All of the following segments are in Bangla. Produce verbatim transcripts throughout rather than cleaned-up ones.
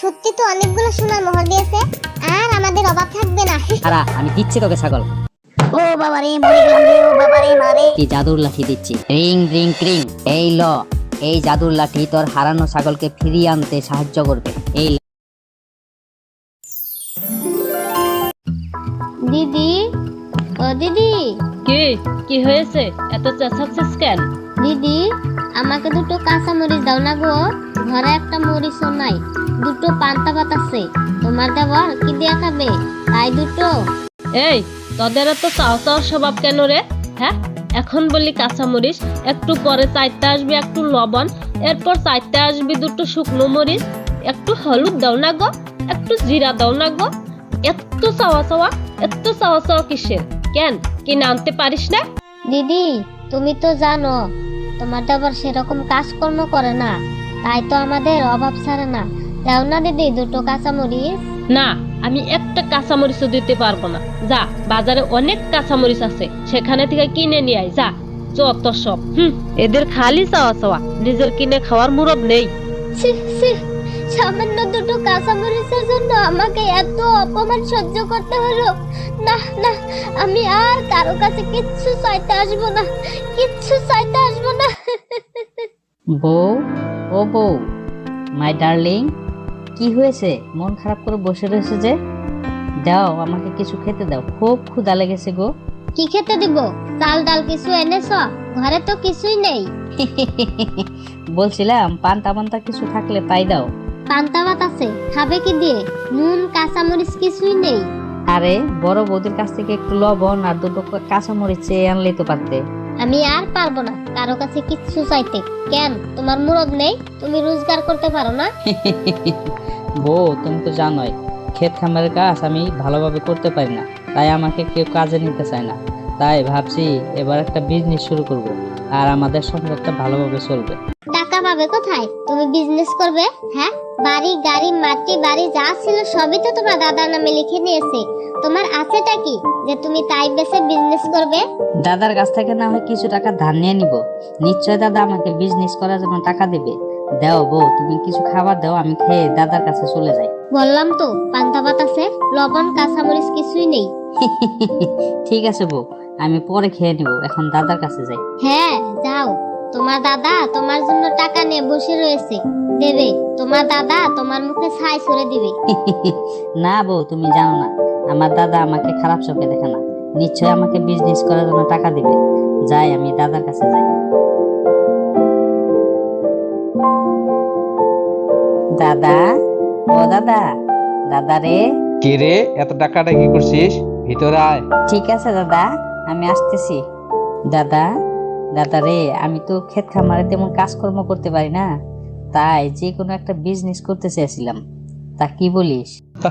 সত্যি তো অনেকগুলো সোনার মোহর দিয়েছে, আর আমাদের অভাব থাকবে না। আরা আমি দিচ্ছি তোকে ছাগল। ও বাবা রে, মরে গেলাম রে, ও বাবা রে মারে। কি জাদুর লাঠি দিচ্ছি, রিং রিং ক্রিং। এই ল, এই জাদুর লাঠি তোর হারানো ছাগলকে ফিরিয়ে আনতে সাহায্য করবে। এই দিদি, ও দিদি, কি কি হয়েছে? এত চেঁচাচ্ছিস কেন? দিদি আমাকে দুটো কাঁচা মরিচ দাও না গো, ঘরে একটা মরিচও নাই, দুটো পান্তা ভাত আছে, তোমার দেবর কি দিয়া খাবে, তাই দুটো। এই তোদের এত চাও চাও স্বভাব কেন রে? হ্যাঁ, এখন বলি কাঁচামরিচ, একটু পরে চাইতে আসবি একটু লবণ, এরপর চাইতে আসবি দুটো শুকনো মরিচ, একটু হলুদ দাও না গো, একটু জিরা দাও না গো। এত চাওয়া চাওয়া, এত চাওয়া চাওয়া কিসের? কেন কিনে আনতে পারিস না? দিদি তুমি তো জানো তোমার দেবর সেরকম কাজকর্ম করে না, তাই তো আমাদের অভাব ছাড়ে না। দাও না দিদি দুটো কাঁচা মরিচ। না, আমি একটা কাঁচামরিচও দিতে পারবো না। যা, বাজারে অনেক কাঁচামরিচ আছে, সেখানে থেকে কিনে নিয়ে আয় যা। যত সব, হুম, এদের খালি চাওয়া চাওয়া, নিজের কিনে খাওয়ার মুরদ নেই। ছি, ছি, সামান্য দুটো কাঁচা মরিচের জন্য আমাকে এত অপমান সহ্য করতে হলো। না না, আমি আর কারো কাছে কিচ্ছু চাইতে আসবো না, কিচ্ছু চাইতে আসবো না। বউ, ও বউ, মাই ডার্লিং, কি হয়েছে? মন খারাপ করে বসে রয়েছে যে? দাও আমাকে কিছু খেতে দাও, খুব ক্ষুধা লেগেছে গো। কি খেতে দিব? চাল ডাল কিছু এনেছ? ঘরে তো কিছুই নেই। বলছিলাম পান্তা পান্তা কিছু থাকলে তাই দাও। পান্তা ভাত আছে, খাবে কি দিয়ে? নুন কাঁচা মরিচ কিছুই নেই। আরে বড় বৌদির কাছ থেকে একটু লবণ আর দুটো কাঁচামরিচ চেয়ে আনলেই তো পারতে। আমি আর পারবো না কারো কাছে কিচ্ছু চাইতে। কেন, তোমার মুরদ নেই? তুমি রোজগার করতে পারো না? বউ তুমি তো জানোই ক্ষেত খামারের কাজ আমি ভালোভাবে করতে পারি না, তাই আমাকে কেউ কাজে নিতে চায় না। তাই ভাবছি এবার একটা বিজনেস শুরু করব, আর আমাদের সংসারটা ভালোভাবে চলবে। টাকা পাবে কোথায়? তুমি বিজনেস করবে? হ্যাঁ, বাড়ি গাড়ি মাটি বাড়ি যা ছিল সবই তো তোমার দাদার নামে লিখে নিয়েছে। তোমার আছেটা কি যে তুমি তাই বেচে বিজনেস করবে? দাদার কাছ থেকে না হয় কিছু টাকা ধার নিয়ে নিব, নিশ্চয় দাদা আমাকে বিজনেস করার জন্য টাকা দেবে। দাও বউ, তুমি কিছু খাবার দাও, আমি খেয়ে দাদার কাছে চলে যাই। বললাম তো পান্তা ভাত আছে, লবণ কাঁচামরিচ কিছুই নেই। ঠিক আছে বউ, আমি পরে খেয়ে নিব, এখন দাদার কাছে যাই। হ্যাঁ যাও, তোমার দাদা তোমার জন্য টাকা নিয়ে বসে রয়েছে, দেবে। তোমার দাদা তোমার মুখে ছাই ছুড়ে দিবে। না বউ, তুমি জানো না আমার দাদা আমাকে খারাপ চোখে দেখে না, নিশ্চয় আমাকে বিজনেস করার জন্য টাকা দিবে। যাই, আমি দাদার কাছে যাই। দাদা, ও দাদা, দাদা রে। কে রে, এত টাকাটা কি করছিস? ভিতরে আয়। ঠিক আছে দাদা, আমি আসতেছি। দাদা, দাদা রে, আমি তো ক্ষেত খামারে তেমন কাজকর্ম করতে পারি না, তাই যে কোনো একটা বিজনেস করতে চেয়েছিলাম, তা কি বলিস?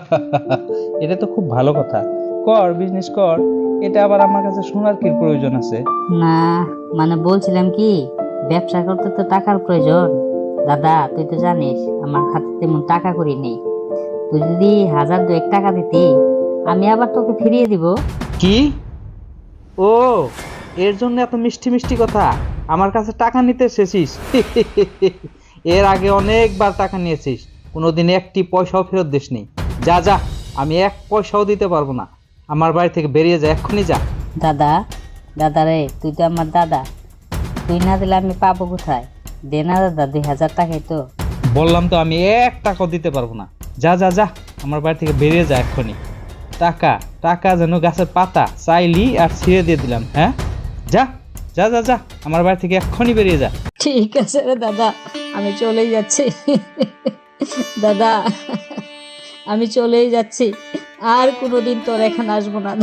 এটা তো খুব ভালো কথা, কর, বিজনেস কর। এটা আবার আমার কাছে শোনার কি প্রয়োজন আছে? না মানে বলছিলাম কি, ব্যবসা করতে তো টাকার প্রয়োজন। দাদা তুই তো জানিস আমার হাতে তেমন টাকা করি নেই, তুই যদি হাজার দুয়েক টাকা দিতি আমি আবার তোকে ফিরিয়ে দিব। কি? ও, এর জন্য এত মিষ্টি মিষ্টি কথা? আমার কাছে টাকা নিতে এসেছিস? এর আগে অনেকবার টাকা নিয়েছিস, কোনোদিন একটি পয়সাও ফেরত দিসনি। যা যা, আমি এক পয়সাও দিতে পারবো না। আমার বাড়ি থেকে বেরিয়ে যা, এক্ষুনি যা। দাদা, দাদা রে, তুই তো আমার দাদা, তুই না দিলে আমি পাবো কোথায়? দে না দাদা, দুই হাজার টাকাই তো। বললাম তো আমি এক টাকাও দিতে পারবো না। যা যা যা, আমার বাড়ি থেকে বেরিয়ে যা এক্ষুনি। টাকা টাকা যেন গাছের পাতা, চাইলি আর ছিঁড়ে দিয়ে দিলাম। হ্যাঁ, যা যা যা যা, আমার বাড়ি থেকে এক্ষুনি বেরিয়ে যা। ঠিক আছে রে দাদা, আমি চলেই যাচ্ছি। দাদা, আমি চলেই যাচ্ছি, আর কোনোদিন তোর এখানে আসবো না।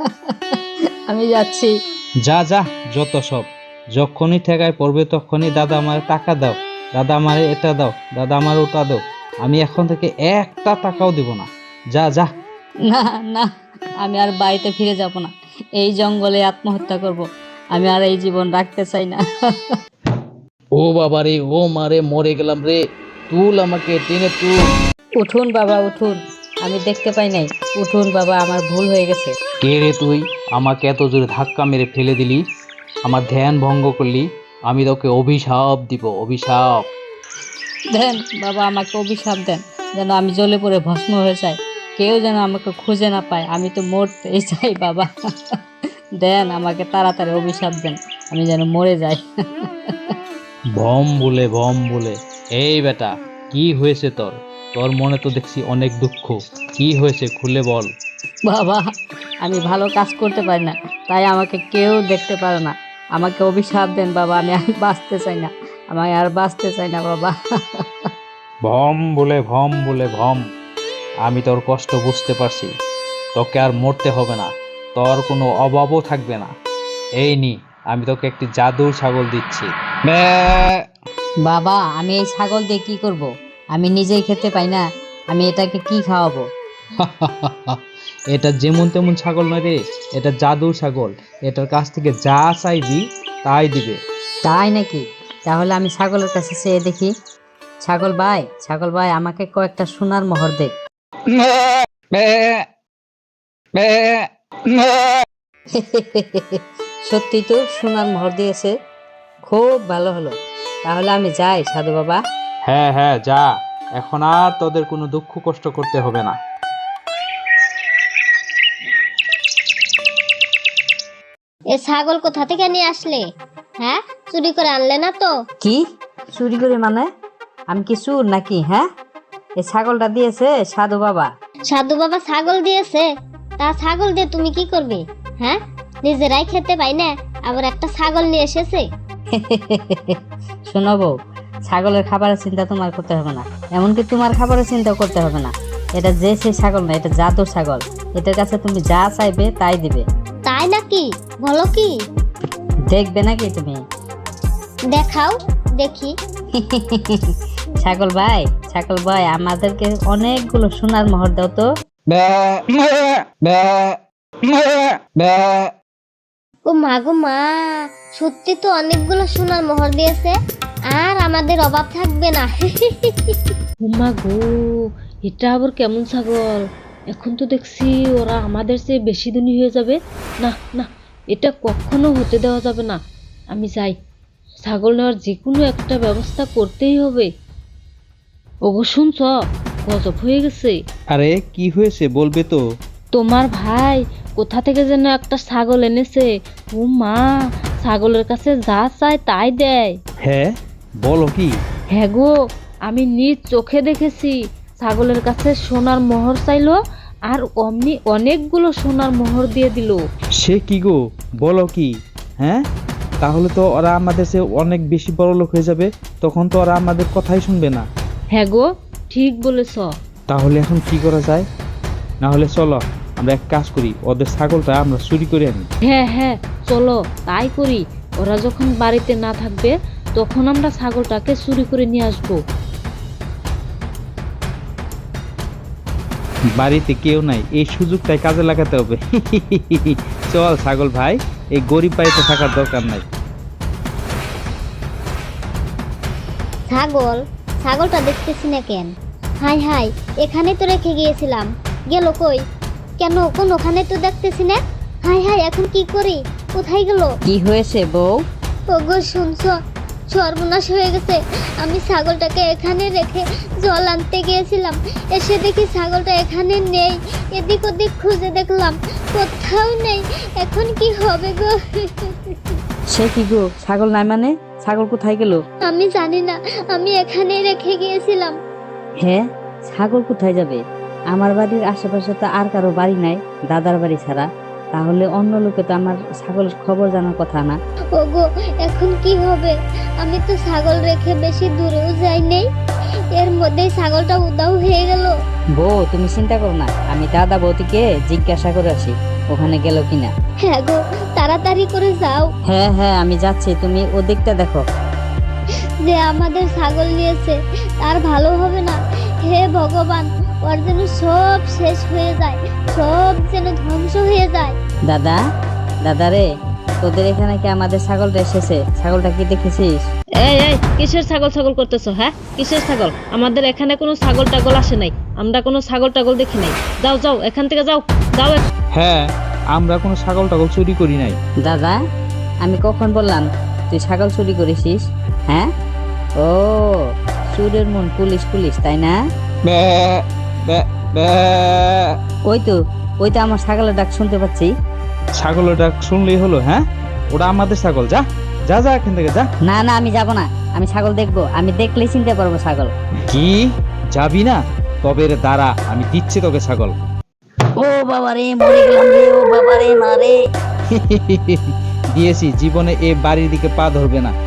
আমি যাচ্ছি। যা যা, যত সব। যখনই ঠেকায় পড়বে তখনই দাদা আমার টাকা দাও, দাদা আমার এটা দাও, দাদা আমার ওটা দাও। আমি এখন থেকে একটা টাকাও দিব না। যা যা। না না, আমি আর বাড়িতে ফিরে যাব না, এই জঙ্গলে আত্মহত্যা করব। আমি আর এই জীবন রাখতে চাই না। ও বাবা রে, ও মারে, মরে গেলাম রে, তুল আমাকে, টেনে তুল। উঠুন বাবা উঠুন, আমি দেখতে পাই নাই, উঠুন বাবা, আমার ভুল হয়ে গেছে। কে রে তুই? আমাকে এত জোরে ধাক্কা মেরে ফেলে দিলি, আমার ধ্যান ভঙ্গ করলি। আমি তোকে অভিশাপ দিব, অভিশাপ। দেন বাবা, আমাকে অভিশাপ দেন, যেন আমি জ্বলে পড়ে ভস্ম হয়ে যাই, কেউ যেন আমাকে খুঁজে না পায়, আমি তো মরতেই চাই বাবা। দেন আমাকে তাড়াতাড়ি অভিশাপ দেন, আমি যেন মরে যাই। ভম বলে ভম বলে, এই বেটা কি হয়েছে তোর? তোর মনে তো দেখছি অনেক দুঃখ, কি হয়েছে খুলে বল। বাবা আমি ভালো কাজ করতে পারি না, তাই আমাকে কেউ দেখতে পারে না, আমাকে অভিশাপ দেন বাবা, আমি আর বাঁচতে চাই না, আমি আর বাঁচতে চাই না বাবা। ভম বলে ভম বলে ভম, আমি তোর কষ্ট বুঝতে পারছি, তোকে আর মরতে হবে না, তোর কোনো অভাবও থাকবে না। এই নি, আমি তোকে একটি জাদুর ছাগল দিচ্ছি। ম্যাঁ। বাবা আমি এই ছাগল দিয়ে কি করব? আমি নিজেই খেতে পাই না, আমি এটাকে কি খাওয়াবো? এটা যেমন তেমন ছাগল নয় রে, এটা জাদুর ছাগল, এটার কাছ থেকে যা চাইবি তাই দিবে। তাই নাকি? তাহলে আমি ছাগলের কাছে চেয়ে দেখি। ছাগল ভাই, ছাগল ভাই, আমাকে কয়েকটা সোনার মোহর দে। সত্যি তো সোনার মোহর দিয়েছে, খুব ভালো হলো। তাহলে আমি যাই সাধু বাবা। হ্যাঁ হ্যাঁ যা, এখন আর তোদের কোনো দুঃখ কষ্ট করতে হবে না। এ ছাগল কোথা থেকে নিয়ে আসলে? হ্যাঁ, চুরি করে আনলে না তো? কি চুরি করে মানে? আমি কি চুর নাকি? হ্যাঁ, এই ছাগলটা দিয়েছে সাধু বাবা। সাধু বাবা ছাগল দিয়েছে? তা ছাগল দিয়ে তুমি কি করবে? হ্যাঁ, নিজেরাই খেতে পাই না, আবার একটা ছাগল নিয়ে এসেছে। শোনো বউ, ছাগলের খাবারের চিন্তা তোমার করতে হবে না, এমনকি তোমার খাবারের চিন্তাও করতে হবে না। এটা যে সেই ছাগল না, এটা জাদুর ছাগল, এটার কাছে তুমি যা চাইবে তাই দিবে। তাই নাকি? বলো কি? দেখবে নাকি তুমি? দেখাও দেখি। ছাগল ভাই, ছাগল ভাই, আমাদেরকে অনেকগুলো সোনার মোহর দাও তো। ও মা গো মা, সত্যি তো অনেকগুলো সোনার মোহর দিয়েছে, আর আমাদের অভাব থাকবে না। উমা গো, এটা আবার কেমন ছাগল? এখন তো দেখছি ওরা আমাদের চেয়ে বেশি দিনই হয়ে যাবে। না না, এটা কখনো হতে দেওয়া যাবে না। আমি যাই, ছাগল নেওয়ার যে কোনো একটা ব্যবস্থা করতেই হবে। ওগো শুনছ, গজব হয়ে গেছে। আরে কি হয়েছে বলবে তো? তোমার ভাই কোথা থেকে যেন একটা ছাগল এনেছে। ও মা, ছাগলের কাছে যা চায় তাই দেয়। হ্যাঁ বলো কি? হ্যাঁ গো, আমি নিজ চোখে দেখেছি। ছাগলের কাছে সোনার মোহর চাইলো, আর অমনি অনেকগুলো সোনার মোহর দিয়ে দিল। সে কি গো, বলো কি? হ্যাঁ, তাহলে তো ওরা আমাদের চেয়ে অনেক বেশি বড় লোক হয়ে যাবে, তখন তো ওরা আমাদের কথাই শুনবে না। হ্যাঁ গো, ঠিক বলেছ। তাহলে এখন কি করা যায়? না হলে চলো আমরা এক কাজ করি, ওদের ছাগলটা আমরা চুরি করে আনি। হ্যাঁ হ্যাঁ, চলো তাই করি। ওরা যখন বাড়িতে না থাকবে তখন আমরা ছাগলটাকে চুরি করে নিয়ে আসবো। বাড়িতে কেউ নাই, এই সুযোগটাই কাজে লাগাতে হবে। চল ছাগল ভাই, এই গরিব বাড়িতে থাকার দরকার নাই। ছাগল, ছাগলটা দেখতেছি না কেন? হাই হাই, এখানে তো রেখে গিয়েছিলাম, গেল কই? কেন কোন ওখানে তো দেখতেছি না। হাই হাই, এখন কি করি? কোথায় গেল? কি হয়েছে বউ? ওগো শুনছো, সর্বনাশ হয়ে গেছে। আমি ছাগলটাকে এখানে রেখে জল আনতে গিয়েছিলাম, এসে দেখি ছাগলটা এখানে নেই। এদিক ওদিক খুঁজে দেখলাম, কোথাও নেই। এখন কি হবে গো? সে কি গো, ছাগল নাই মানে? ছাগল কোথায় গেল? আমি জানি না, আমি এখানে রেখে গিয়েছিলাম। হ্যাঁ, ছাগল কোথায় যাবে? আমার বাড়ির আশেপাশে তো আর কারো বাড়ি নাই, দাদার বাড়ি ছাড়া। তাহলে অন্য লোকে তো আমার ছাগলের খবর জানার কথা না। ওগো, এখন কি হবে? আমি তো ছাগল রেখে বেশি দূরেও যাই নেই, এর মধ্যেই ছাগলটা উদাও হয়ে গেল। বউ তুমি চিন্তা করো না, আমি দাদা বৌদিকে জিজ্ঞাসা করে আসি ওখানে গেল কিনা। হ্যাঁ গো, তাড়াতাড়ি করে যাও। হ্যাঁ হ্যাঁ আমি যাচ্ছি, তুমি ওদিকটা দেখো। যে আমাদের ছাগল নিয়েছে তার ভালো হবে না। হে ভগবান, ওর যেন সব শেষ হয়ে যায়, সব যেন ধ্বংস হয়ে যায়। দাদা, দাদা রে, তোদের এখানে কি আমাদের ছাগলটা এসেছে? ছাগলটা কি দেখেছিস? এই এই, কিসের ছাগল ছাগল করতেছো? হ্যাঁ, কিসের ছাগল? আমাদের এখানে কোনো ছাগল টাগল আসে নাই, আমরা কোনো ছাগল টাগল দেখি নাই। যাও যাও, এখান থেকে যাও যাও। হ্যাঁ, আমরা কোনো ছাগল টাগল চুরি করি নাই। দাদা, আমি কখন বললাম তুই ছাগল চুরি করেছিস? হ্যাঁ, ও চুরের মন পুলিশ পুলিশ, তাই না? বে বে বে ওই তো ওই তো আমার ছাগলের ডাক শুনতে পাচ্ছি। ছাগলের ডাক শুনলেই হলো? হ্যাঁ, ওটা আমাদের ছাগল। যা যা যা এখান থেকে যা। না না আমি যাব না, আমি ছাগল দেখবো, আমি দেখলেই চিনতে পারবো ছাগল। কি যাবি না? তবে রে দাঁড়া, আমি দিচ্ছি তোকে ছাগল। ও বাবা রে, মরে গেলাম রে, ও বাবা রে, মারে। দিয়েছি, জীবনে এ বাড়ির দিকে পা ধরবে না।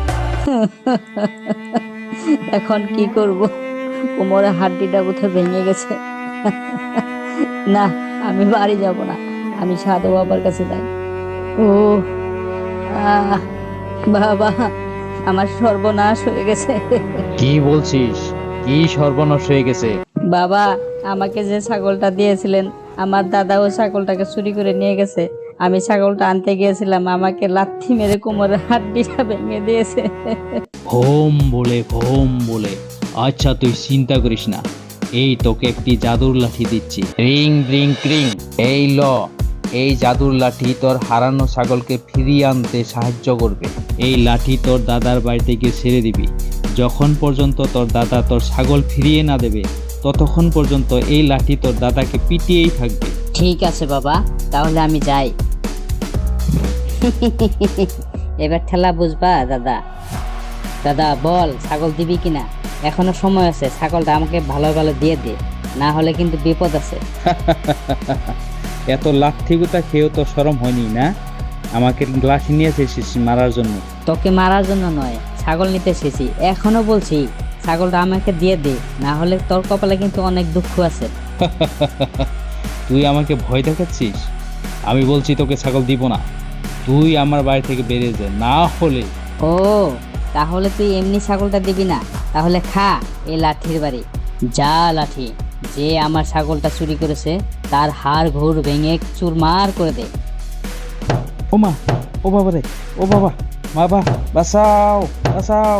এখন কি করব? কোমরের হাড্ডিটা কোথায় ভেঙে গেছে। না, আমি বাড়ি যাব না, আমি সাধু বাবার কাছে যাই। ও আহ, বাবা, আমার সর্বনাশ হয়ে গেছে। কি বলছিস? কি সর্বনাশ হয়ে গেছে? বাবা, আমাকে যে ছাগলটা দিয়েছিলেন, আমার দাদা ও ছাগলটাকে চুরি করে নিয়ে গেছে। আমি ছাগলটা আনতে গিয়েছিলাম, আমাকে লাথি মেরে কোমরের হাড্ডিটা ভেঙে দিয়েছে। ভোম বলে ভোম বলে। আচ্ছা তুই চিন্তা করিস না, এই তোকে একটি জাদুর লাঠি দিচ্ছি। রিং রিং ক্রিং। এই ল, এই জাদুর লাঠি তোর হারানো ছাগলকে ফিরিয়ে আনতে সাহায্য করবে। এই লাঠি তোর দাদার বাড়িতে গিয়ে ছেড়ে দিবি। যখন পর্যন্ত তোর দাদা তোর ছাগল ফিরিয়ে না দেবে, ততক্ষণ পর্যন্ত এই লাঠি তোর দাদাকে পিটিয়েই থাকবে। ঠিক আছে বাবা, তাহলে আমি যাই। এবার ঠেলা বুঝবা দাদা। দাদা বল, ছাগল দিবি কিনা? এখনো সময় আছে, ছাগলটা আমাকে ভালো ভালো দিয়ে দে, না হলে কিন্তু বিপদ আছে। এত লাঠি গুতা খেয়েও তো শরম হয়নি না? আমাকে লাঠি নিয়ে এসেছিস মারার জন্য? তোকে মারার জন্য নয়, ছাগল নিতে এসেছি। এখনো বলছি ছাগলটা আমাকে দিয়ে দে, না হলে তোর কপালে কিন্তু অনেক দুঃখ আছে। তুই আমাকে ভয় দেখাচ্ছিস? আমি বলছি তোকে ছাগল দিব না। তুই আমার বাড়ি থেকে বেরিয়ে যা, না হলে। ও, তাহলে তুই এমনি ছাগলটা দিবি না? তাহলে খা এই লাঠির বাড়ি। যা লাঠি, যে আমার ছাগলটা চুরি করেছে তার হাড় ঘুর ভেঙে চুরমার করে দে। ও মা, ও বাবা রে, ও বাবা, বাবা বাঁচাও, বাঁচাও।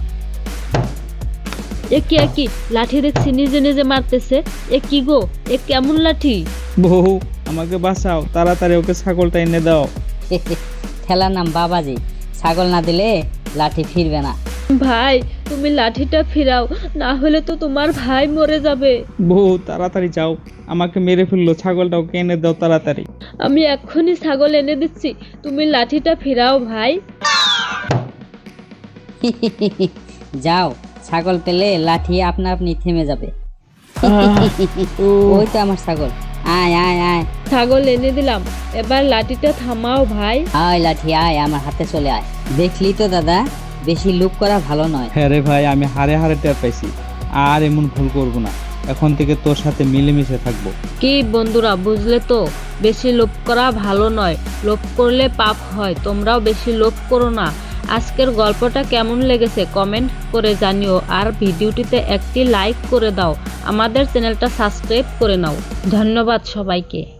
এ কি এ কি লাঠি দেখছি নিজে নিজে মারতেছে। এ কি গো, এ কেমন লাঠি? বউ, আমাকে বাঁচাও, তাড়াতাড়ি ওকে ছাগলটা এনে দাও। ঠেলার নাম বাবাজি, ছাগল না দিলে লাঠি ফিরবে না। ভাই, তুমি লাঠিটা ফিরাও, না হলে তো তোমার ভাই মরে যাবে। বউ তাড়াতাড়ি যাও, আমাকে মেরে ফেললো, ছাগলটা ওকে এনে দাও তাড়াতাড়ি। আমি এক্ষুনি ছাগল এনে দিচ্ছি, তুমি লাঠিটা ফিরাও ভাই। যাও, ছাগল পেলে লাঠি আপনা আপনি থেমে যাবে। ওই তো আমার ছাগল, আয় আয় আয়। ছাগল এনে দিলাম, এবার লাঠিটা থামাও ভাই। আয় লাঠি আয়, আমার হাতে চলে আয়। দেখলি তো দাদা, বেশি লুক করা ভালো নয়। হ্যাঁ রে ভাই, আমি হারে হারে টের পাইছি, আর এমন ভুল করবো না। এখন থেকে তোর সাথে মিলেমিশে থাকবো। কি বন্ধুরা, বুঝলে তো, বেশি লোভ করা ভালো নয়, লোভ করলে পাপ হয়। তোমরাও বেশি লোভ করো না। আজকের গল্পটা কেমন লেগেছে কমেন্ট করে জানিও, আর ভিডিওটিতে একটি লাইক করে দাও, আমাদের চ্যানেলটা সাবস্ক্রাইব করে নাও। ধন্যবাদ সবাইকে।